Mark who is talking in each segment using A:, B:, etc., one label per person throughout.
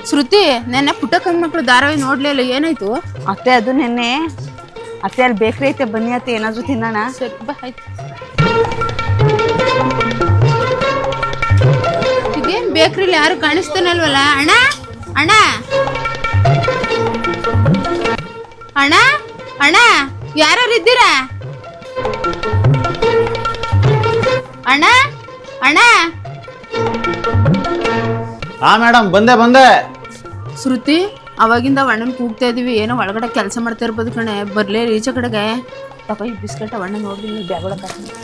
A: ಶ್ರುತಿ ನೆನ್ನೆ ಪುಟ್ಟ ಮಕ್ಕಳು ಧಾರಾವಾಹಿ ನೋಡ್ಲಿಲ್ಲ, ಏನಾಯ್ತು?
B: ಅತ್ತೆ ಅದು ನೆನ್ನೆ ಅತ್ತೆ ಅಲ್ಲಿ ಬೇಕ್ರಿ ಐತೆ, ಬನ್ನಿ ಅತ್ತೆ ಏನಾದ್ರು ತಿನ್ನೋಣ.
A: ಸರಿ ಬಾ, ಆಯ್ತು. ಇದೇನ್ ಬೇಕ್ರಿಲಿ ಯಾರು ಕಾಣಿಸ್ತಾನಲ್ವಲ್ಲ? ಅಣ್ಣ ಅಣ್ಣ ಅಣ್ಣ ಅಣ್ಣ, ಯಾರು ಇದ್ದೀರಾ? ಅಣ್ಣ ಅಣ್ಣ.
C: ಹಾ ಮೇಡಮ್, ಬಂದೆ.
A: ಶ್ರುತಿ, ಅವಾಗಿಂದ ಅಣ್ಣನ್ ಕೂಗ್ತಾ ಇದೀವಿ, ಏನೋ ಒಳಗಡೆ ಕೆಲಸ ಮಾಡ್ತಾ ಇರ್ಬೋದು ಕಣೆ. ಬರ್ಲೇ ಈಚೆ ಕಡೆಗೆ ತಗೋ ಈ ಬಿಸ್ಕೆಟ್. ಅಣ್ಣ ನೋಡ್ಲಿ ಬ್ಯಾಗ್ ಒಳಗೆ.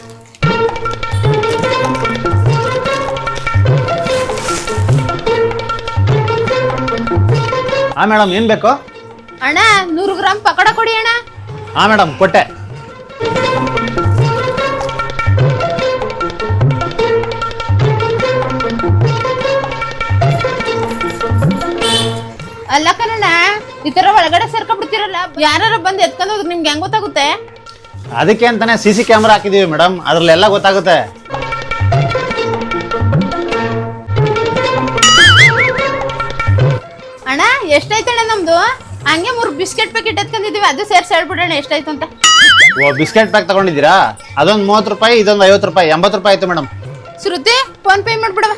C: ಹಾ ಮೇಡಮ್, ಏನ್ ಬೇಕು?
A: ಅಣ್ಣ 100 ಗ್ರಾಮ್ ಪಕೋಡ ಕೊಡಿ ಅಣ್ಣ.
C: ಹಾ ಮೇಡಮ್, ಕೊಟ್ಟೆ.
A: ಅಲ್ಲ ಕಣಣ್ಣ, ಈ ತರ ಒಳಗಡೆ ಸೇರ್ಕೊಂಡ್ಬಿಡ್ತಿರಲ್ಲ, ಯಾರು ಬಂದು ಎತ್ಕೊಂಡು ಹೋದ್ರೆ ನಿಮ್ಗೆ ಹೆಂಗ್ ಗೊತ್ತಾಗುತ್ತೆ?
C: ಅದಕ್ಕೆ ಅಂತಾನೆ CC ಕ್ಯಾಮ್ರಾ ಹಾಕಿದೀವಿ ಮೇಡಮ್, ಅದ್ರಲ್ಲೆಲ್ಲ ಗೊತ್ತಾಗುತ್ತೆ.
A: ಅಣ್ಣ ಎಷ್ಟಾಯ್ತಣ್ಣ ನಮ್ದು? ಹಂಗೆ 3 ಬಿಸ್ಕೆಟ್ ಪ್ಯಾಕೆಟ್ ಎತ್ಕೊಂಡಿದೀವಿ, ಅದು ಸೇರ್ಸಿ ಹೇಳ್ಬಿಡೋಣ ಎಷ್ಟಾಯ್ತು ಅಂತ.
C: ಓ, ಬಿಸ್ಕೆಟ್ ಪ್ಯಾಕ್ ತಗೊಂಡಿದ್ದೀರಾ? ಅದೊಂದು 30 ರೂಪಾಯಿ, ಇದೊಂದು 50 ರೂಪಾಯಿ, 80 ರೂಪಾಯಿ ಆಯ್ತು ಮೇಡಮ್.
A: ಶ್ರುತಿ, ಫೋನ್ ಪೇ ಮಾಡ್ಬಿಡವ.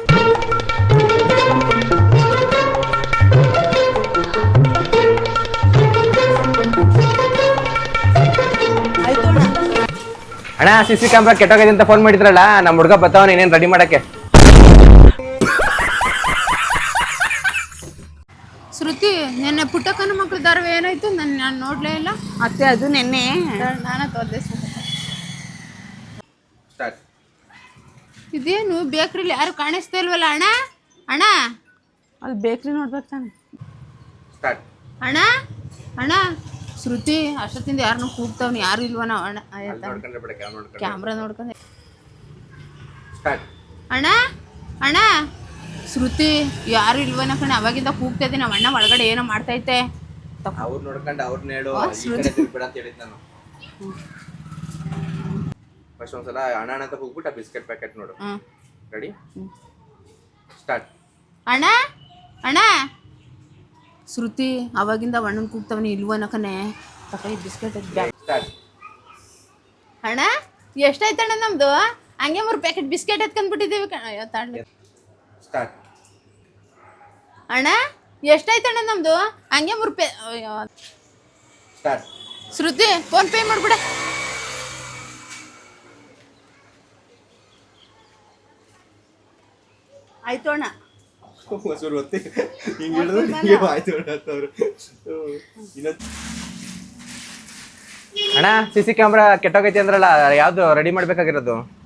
D: ಅಣ್ಣ CC ಕ್ಯಾಮ್ರಾ ಕೆಟ್ಟೋಗಿದೆ ಅಂತ ಫೋನ್ ಮಾಡಿದ್ರಲ್ಲ, ನಮ್ಮ ಹುಡುಗ ಬರ್ತಾವನ ಏನೇನು ರೆಡಿ ಮಾಡಕ್ಕೆ.
A: ಶ್ರುತಿ, ನಿನ್ನೆ ಪುಟ್ಟಕ್ಕನ ಮಕ್ಕಳು ಧಾರಾವಾಹಿ ಏನಾಯ್ತು? ನಾನು ನೋಡ್ಲೇ ಇಲ್ಲ.
B: ಅತ್ತೆ ಅದು ನೆನ್ನೆ
A: ನಾನ ತೋರ್ದೆ. ಇದೇನು ಬೇಕ್ರಿಲಿ ಯಾರು ಕಾಣಿಸ್ತಾ ಇಲ್ವಲ್ಲ? ಅಣ್ಣ ಅಣ್ಣ,
B: ಅಲ್ಲಿ ಬೇಕ್ರಿ ನೋಡ್ಬೇಕು ತಾನೆ.
A: ಅಣ್ಣ ಅಣ್ಣ. ಶ್ರುತಿ, ಅಷ್ಟೊತ್ತಿಂದ ಯಾರನ್ನೂ ಕೂಗ್ತಾವ್ನಿ, ಯಾರು ಇಲ್ವನ? ಅಣ್ಣ ಕ್ಯಾಮ್ರಾ ನೋಡ್ಕೊಂಡೆ. ಅಣ್ಣ ಅಣ್ಣ. ಶ್ರುತಿ, ಯಾರು ಇಲ್ವನ ಕಣೆ, ಅವಾಗಿಂದ ಕೂಗ್ತಾ ಇದ್ದೀನಿ. ನಮ್ಮ ಅಣ್ಣ ಒಳಗಡೆ ಏನೋ ಮಾಡ್ತೈತೆ.
D: ಅವ್ರು ನೋಡ್ಕೊಂಡು ಅವ್ರನ್ನ ಹೇಳು, ಅಂತ ಹೇಳಿದ್ ನಾನು. ಫಸ್ಟ್ ಒಂದ್ಸಲ ಅಣ್ಣ ಅಂತ ಹೋಗ್ಬಿಟ್ಟು ಆ ಬಿಸ್ಕೆಟ್ ಪ್ಯಾಕೆಟ್ ನೋಡು. Ready, start.
A: ಅಣ್ಣ ಅಣ್ಣ. ಶ್ರುತಿ, ಅವಾಗಿಂದ ಅಣ್ಣನ ಕೂಗ್ತಾವನಿ, ಇಲ್ವನ ಕಣೆ. ತಗೋ ಈ ಬಿಸ್ಕೆಟ್.
D: ಸ್ಟಾರ್ಟ್.
A: ಅಣ್ಣ ಎಷ್ಟಾಯ್ತಣ್ಣ ನಮ್ದು? ಹಂಗೆ 3 ಪ್ಯಾಕೆಟ್ ಬಿಸ್ಕೆಟ್ ಎತ್ಕೊಂಡ್ಬಿಟ್ಟಿದ್ದೀವಿ ಕಣ. ತಾಂಡ.
D: ಸ್ಟಾರ್ಟ್.
A: ಅಣ್ಣ ಎಷ್ಟಾಯ್ತಣ್ಣ ನಮ್ದು? ಹಂಗೆ 3
D: ಸ್ಟಾರ್ಟ್.
A: ಶ್ರುತಿ, ಫೋನ್ ಪೇ ಮಾಡ್ಬಿಡ.
B: ಆಯ್ತು ಅಣ್ಣ.
D: ಅಣ್ಣ CC ಕ್ಯಾಮ್ರಾ ಕೆಟ್ಟೋಗೈತಿ ಅಂದ್ರಲ್ಲ, ಯಾವ್ದು ರೆಡಿ ಮಾಡ್ಬೇಕಾಗಿರೋದು?